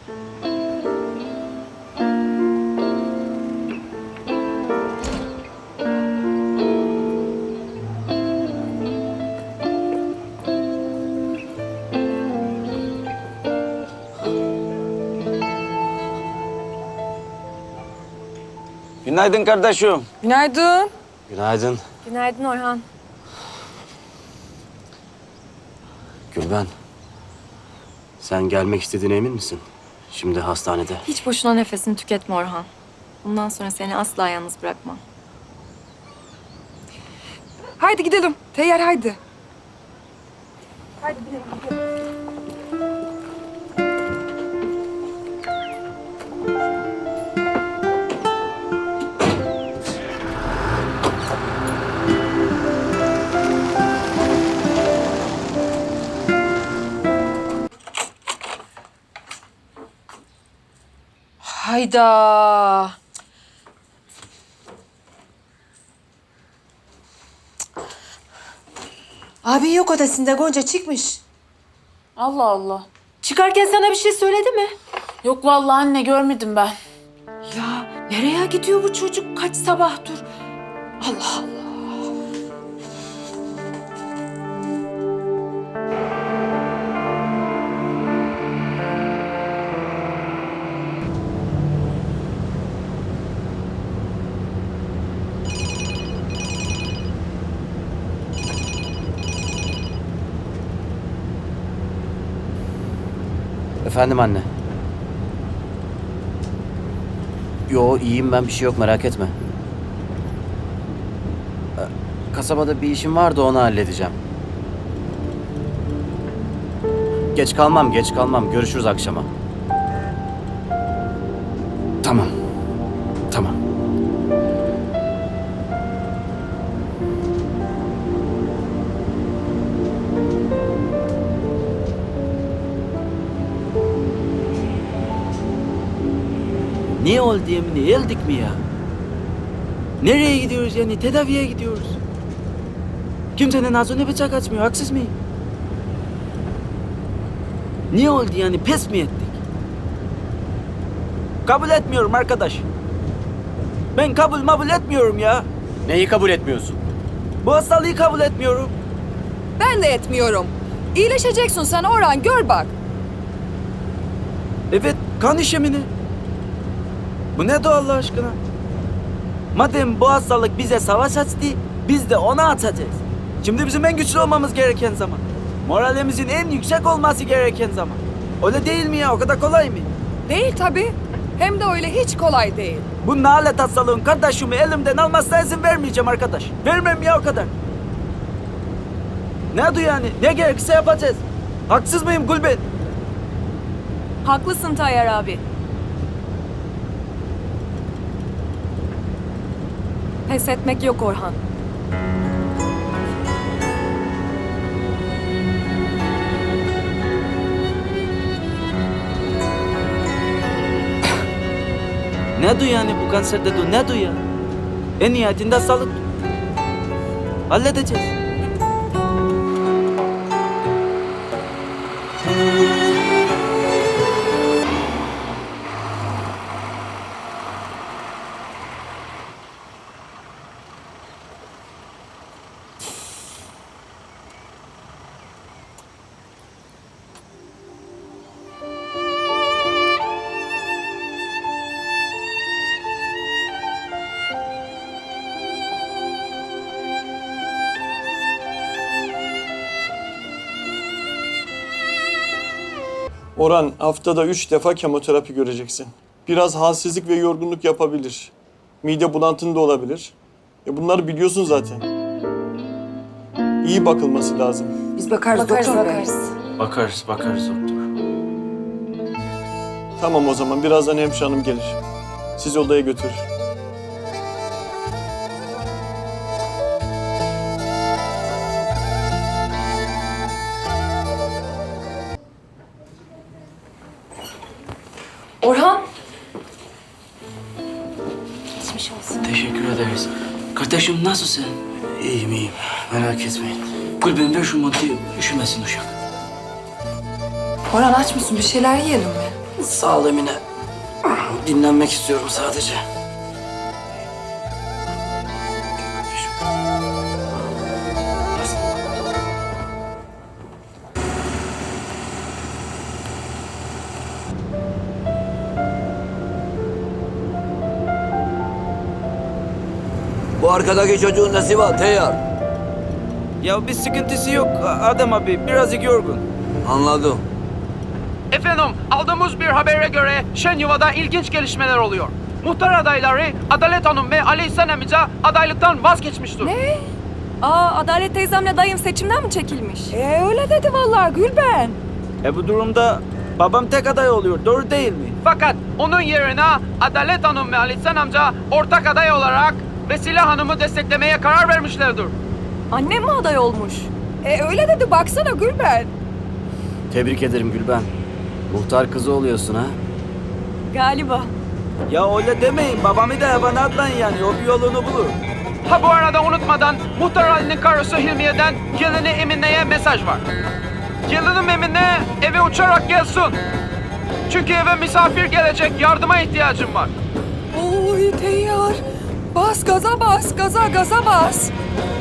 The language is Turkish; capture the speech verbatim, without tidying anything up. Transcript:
Günaydın kardeşim. Günaydın. Günaydın. Günaydın Orhan. Gülben, sen gelmek istediğine emin misin? Şimdi hastanede. Hiç boşuna nefesini tüketme Orhan. Bundan sonra seni asla yalnız bırakmam. Haydi gidelim. Teyyar haydi. Hayda. Abi yok odasında, Gonca çıkmış. Allah Allah. Çıkarken sana bir şey söyledi mi? Yok vallahi anne görmedim ben. Ya nereye gidiyor bu çocuk? Kaç sabahtır? Allah Allah. Efendim anne. Yo iyiyim ben, bir şey yok, merak etme. Ee, Kasabada bir işim vardı, onu halledeceğim. Geç kalmam, geç kalmam. Görüşürüz akşama. Tamam. Tamam. Ne oldu Emine? Geldik mi ya? Nereye gidiyoruz yani? Tedaviye gidiyoruz. Kimsenin ağzına bıçak açmıyor. Haksız mıyım? Ne oldu yani? Pes mi ettik? Kabul etmiyorum arkadaş. Ben kabul mabul etmiyorum ya. Neyi kabul etmiyorsun? Bu hastalığı kabul etmiyorum. Ben de etmiyorum. İyileşeceksin sen Orhan, gör bak. Evet, kan işemini. Bu ne de Allah aşkına? Madem bu hastalık bize savaş açtı, biz de ona atacağız. Şimdi bizim en güçlü olmamız gereken zaman. Moralimizin en yüksek olması gereken zaman. Öyle değil mi ya? O kadar kolay mı? Değil tabii. Hem de öyle hiç kolay değil. Bu nalet hastalığın kardeşimi elimden almasına izin vermeyeceğim arkadaş. Vermem ya, o kadar. Ne diyor yani? Ne gerekirse yapacağız. Haksız mıyım Gülben? Haklısın Tayyar abi. Pes etmek yok Orhan. Ne diyor yani bu kanser dedi? Ne diyor ya? En nihayetinde sağlık. Halledeceğiz. Orhan, haftada üç defa kemoterapi göreceksin. Biraz halsizlik ve yorgunluk yapabilir. Mide bulantın da olabilir. E bunları biliyorsun zaten. İyi bakılması lazım. Biz bakarız, Bakarız doktor bey. bakarız. Bakarız, bakarız doktor. Tamam o zaman, birazdan hemşire hanım gelir. Sizi odaya götürür. Orhan. Geçmiş olsun. Teşekkür ederiz. Kardeşim nasılsın? İyiyim iyiyim. Merak etmeyin. Gülben ver şu montayı. Üşümesin uşak. Orhan aç mısın? Bir şeyler yiyelim mi? Sağ ol Emine. Dinlenmek istiyorum sadece. Bu arkadaki çocuğun nesi var Teyyar? Ya bir sıkıntısı yok Adem abi. Birazcık yorgun. Anladım. Efendim, aldığımız bir habere göre Şenyuva'da ilginç gelişmeler oluyor. Muhtar adayları Adalet Hanım ve Ali İhsan amca adaylıktan vazgeçmiştir. Ne? Aa, Adalet teyzemle dayım seçimden mi çekilmiş? E öyle dedi vallahi Gülben. E bu durumda babam tek aday oluyor. Doğru değil mi? Fakat onun yerine Adalet Hanım ve Ali İhsan amca ortak aday olarak Vesile Hanım'ı desteklemeye karar vermişlerdir. Annem mi aday olmuş? E öyle dedi baksana Gülben. Tebrik ederim Gülben. Muhtar kızı oluyorsun ha. Galiba. Ya öyle demeyin. Babamı da bana atlayın yani. O bir yolunu bulur. Ha bu arada unutmadan Muhtar Ali'nin karısı Hilmiye'den gelini Emine'ye mesaj var. Gelinim Emine eve uçarak gelsin. Çünkü eve misafir gelecek, yardıma ihtiyacım var. Oy Teyyar. Bas gaza bas, gaza gaza bas.